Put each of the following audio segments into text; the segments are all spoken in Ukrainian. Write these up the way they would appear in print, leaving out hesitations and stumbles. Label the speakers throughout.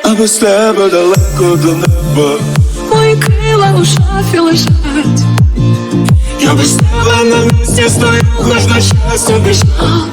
Speaker 1: а без тебе далеко до неба.
Speaker 2: Мої крила у шафі лежать.
Speaker 1: Я без тебе на місці стою, хоч на щастя біжав.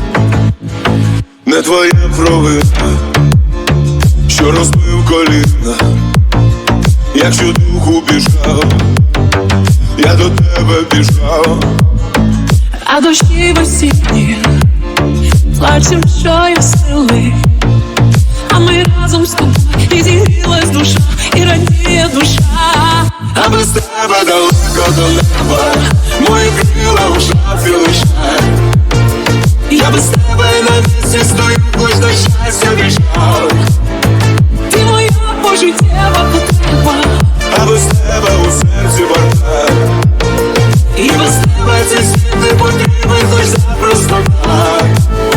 Speaker 1: Не твоя провина, що розбив коліна. Якщо духу біжав, я до тебе біжав.
Speaker 2: А дощі весінні плачем, що є сили, а ми разом з тобою і зігрілась душа, і радіє душа.
Speaker 1: А без тебе далеко до неба, мої крила у шафі лишать. Я без тебе на місці стою, хоч до щастя біжав.
Speaker 2: Ти моя пожиттєва потреба,
Speaker 1: а без тебе у серці бардак.
Speaker 2: і без тебе
Speaker 1: Цей світ не потрібен, хоч запросто так.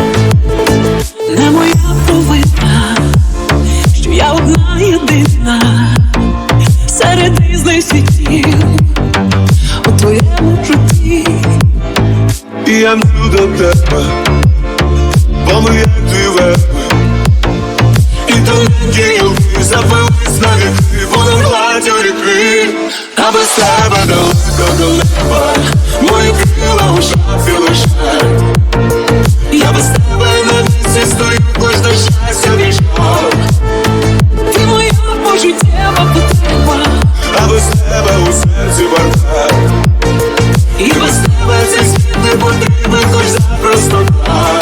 Speaker 2: не моя провина, що я одна єдина серед різних світів у твоєму житті.
Speaker 1: І я мчу до тебе, бо ми як дві верби, і тоненькі гілки запились на віки, понад гладдю ріки. А без тебе далеко до неба, мої крила у шафі лишать. Я без тебе на місці стою, хоч до щастя біжав.
Speaker 2: Ти моя пожиттєва потреба,
Speaker 1: а без тебе у серці бардак.
Speaker 2: і без
Speaker 1: Тебе цей світ не потрібен, хоч запросто так.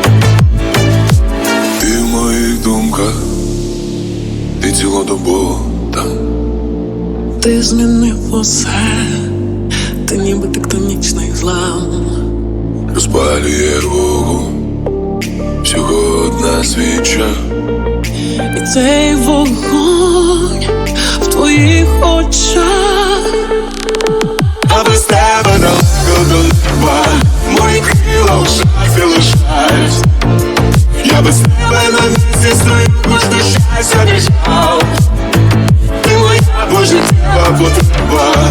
Speaker 1: Ти в моїх думках, ти цілодобово там.
Speaker 2: ти змінив усе, ти ніби тектонічний злам.
Speaker 1: Розпалює вогонь, всього одна свіча.
Speaker 2: І цей вогонь в твоїх очах.
Speaker 1: А без тебе далеко до неба, мої крила у шафі лишать. Я без тебе на місці стою, хоч до щастя біжав. Ти моя пожиттєва потреба,